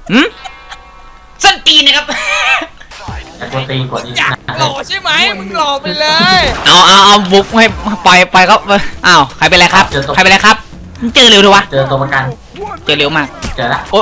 ส้นตีนนะครับแต่กดตีกดอีกหล่อใช่ไหมมึงหล่อไปเลยเอาบุกให้ไปครับอ้าวใครเป็นไรครับใครเป็นไรครับเจอเร็วดูวะเจอตัวประกันเจอเร็วมากเจอแล้วโอ้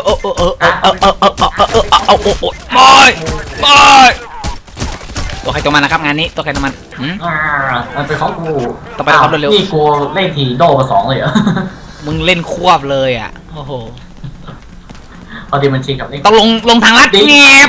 ตัวใครตัวมันนะครับงานนี้ตัวใครตัวมันมันเป็นของกูต่อไปครับเร็วนี่กูเล่นทีโดมา2เลยเหรอมึงเล่นควบเลยอ่ะโอ้โหพอดีมันชิงกับนี่ต้องลงทางลัดเงียบ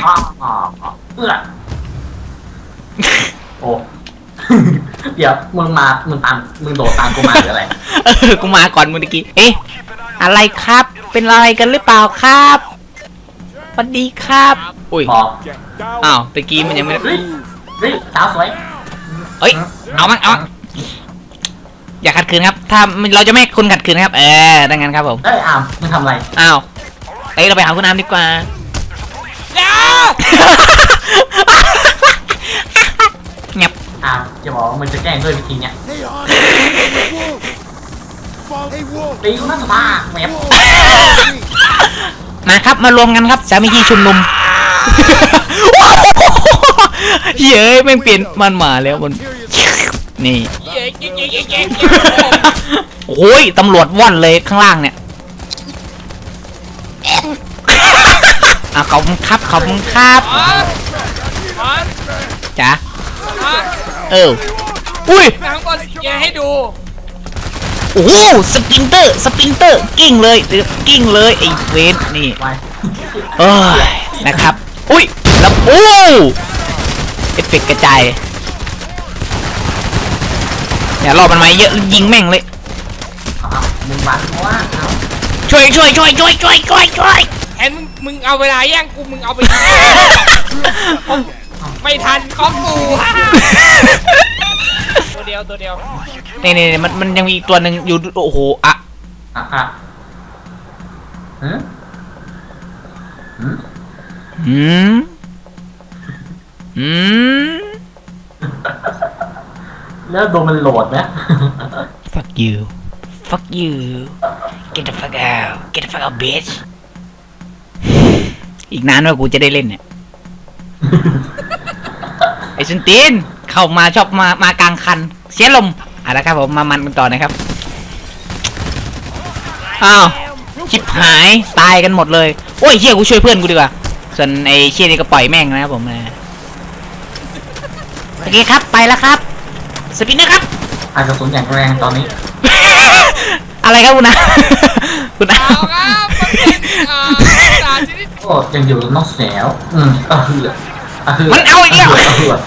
โอ้เดี๋ยวมึงโดดตามกูมาหรืออะไรกูมาก่อนมึงตะกี้เอ๊ะอะไรครับเป็นอะไรกันหรือเปล่าครับสวัสดีครับอุ้ยอ้าวตะกี้มันยังไม่สาวสวยเอ้ยเอามั้งอย่าขัดขืนครับถ้าเราจะไม่ให้คุณขัดขืนครับดังนั้นครับผมอ้าวมึงทำอะไรอ้าวเราไปหาคุณน้ำดีกว่าอย่าเงียบจะบอกว่ามันจะแกล้งด้วยวิธีเนี้ยตีกูน่าสบายแมบมาครับมารวมกันครับสามัคคีชุมนุมเย้ยแม่งเปลี่ยนมันมาแล้วมันนี่โอ้ยตำรวจว่อนเลยข้างล่างเนี่ยขอบคุณครับจ๋าอุ้ยหนังบอลแกให้ดูโอ้โหสปรินเตอร์กิ้งเลยไอ้เวนนี่นะครับอุ้ยแล้วโอ้เอฟเฟกต์กระจายอย่ารอมันมาเยอะยิงแม่งเลยมึงมาเพราะว่าช่วยแอนมึงเอาเวลาแย่งกูมึงเอาไปไม่ทันของกูตัวเดียวนี่มันยังมีอีกตัวหนึ่งอยู่โอ้โหแล้วโดนมันโหลดไหม fuck you get the fuck out bitch อีกนานว่ากูจะได้เล่นเนี่ยไอ้ซุนตีนเข้ามาชอบมากลางคันเสียลมแล้วครับผมมันกันต่อนะครับอ้าวชิบหายตายกันหมดเลยโอ้ยเชี่ยกูช่วยเพื่อนกูดีกว่าส่วนไอ้เชี่ยนี่ก็ปล่อยแม่งนะครับผมโอเคครับไปแล้วครับสปินนะครับอาจจะสูญอย่างแรงตอนนี้อะไรครับคุณนะโอ้ยังอยู่นอกแสวมันเอาอีกแล้ว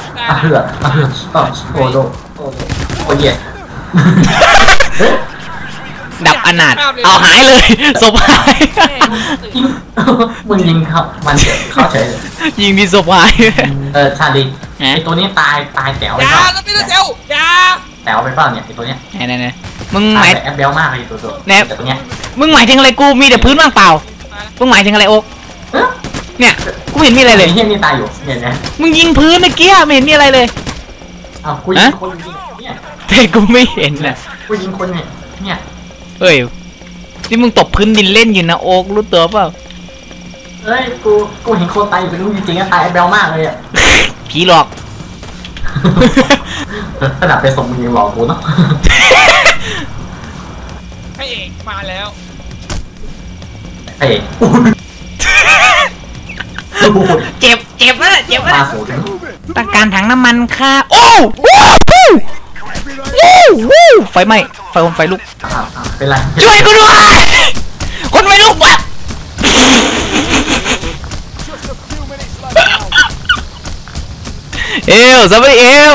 โอ้โหเย่ดับอนาถเอาหายเลยศพหายมึงยิงครับมันเข้าเฉยยิงดีศพหายชาลีไอตัวนี้ตายแต๋วไปเปล่าต้องมีเซลแต๋วไปเปล่าเนี่ยไอตัวเนี้ยเนี่ยมึงหมายแอบเบลมากเลยตัวเนี่ยมึงหมายถึงอะไรกูมีแต่พื้นว่างเปล่ามึงหมายถึงอะไรโอ๊กเนี่ยกูเห็นมีอะไรเลยเฮียนี่ตายอยู่เห็นไหมมึงยิงพื้นเมื่อกี้ไม่เห็นมีอะไรเลยกูยิงคนเนี่ยแต่กูไม่เห็นนะกูยิงคนเนี่ยเฮ้ยนี่มึงตบพื้นดินเล่นอยู่นะโอ๊กรู้ตัวเปล่าเฮ้ยกูเห็นคนตายอยู่เป็นลูกจริงๆตายแอบเบลมากเลยอ่ะผีหลอกขนาดไปส่งมึงยังหลอกกูเนาะพระเอกมาแล้วเจ็บนะต้องการถังน้ำมันค่ะโอ้ไฟไหม้ไฟลุกเป็นไรช่วยกูด้วยคนไฟลุกว่ะสวัสดี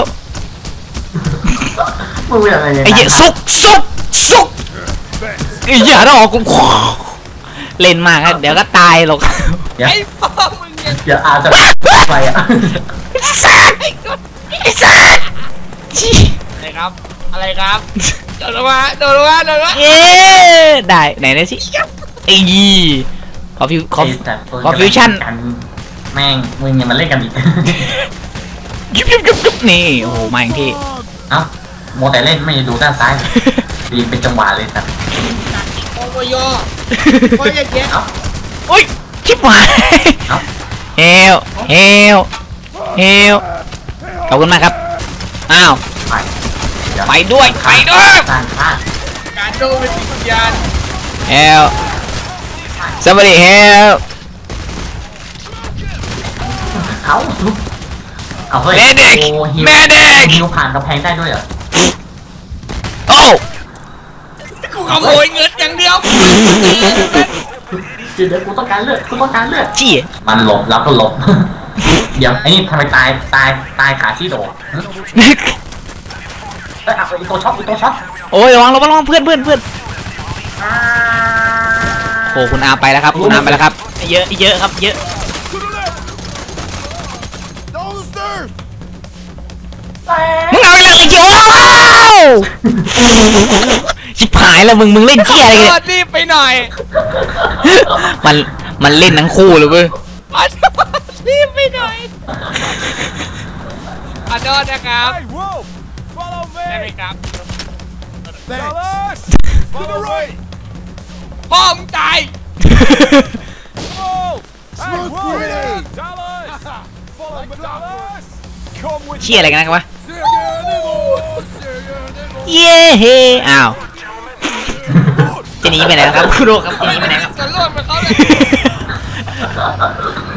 มึงเป็นอะไรไอ้เหี้ยซุกไอ้เหี้ยถ้าออกกูเล่นมากเดี๋ยวก็ตายหรอกไอ้พ่อมึงอย่าอาจจะไปอ่ะอะไรครับโดนมาเย้ได้ไหนนะสิไอ้ยี่ขอฟิวชั่นแม่งมึงยังมาเล่นกันอีกยุบนี่โอ้โหมาอย่างที่โมแต่เล่นไม่ดูด้านซ้ายดีเป็นจังหวะเลยครับโอ้ยโอ้ยแกโอ้ยชิบหายเฮลเฮลเฮลขอบคุณมากครับอ้าวไปเดี๋ยวไปด้วยไปด้วยการฆ่าการโดนเป็นจิตวิญญาณเฮล somebody help เอาเฮ้ย Medic โอ้ฮิว Medic ฮิวผ่านกำแพงได้ด้วยเหรอโอ้กูขโมยเงินอย่างเดียวเดี๋ยวกูต้องการเลือดกูต้องการเลือดจี้มันหลบแล้วก็หลบ เดี๋ยวไอ้นี่ทำไมตายขาชี้โดดเอ้ยเอาอีตัวช็อตอีตัวช็อตโอ้ยระวังเพื่อนโอ้คุณอาไปแล้วครับคุณอาไปแล้วครับเยอะครับเยอะมึงเอาอะไรกันโย่ชิบหายแล้วมึงเล่นเที่ยอะไรกันเนี่ยรีบไปหน่อยมันเล่นทั้งคู่เลยเว้ยรีบไปหน่อยขอโทษนะครับ Hey, Wolf! Follow ได้ไหม me! ครับ Dallas! Follow me! พ่อมึงตาย Wolf! Hey, Wolf! Dallas! Follow me, Dallas! Come with เที่ยอะไรกันนะครับวะ Serious! เย้เฮ้อ้าวจะหนีไปไหนครับคุณโรครับจะหนีไปไหนครับจะล่วงไปเขาเลย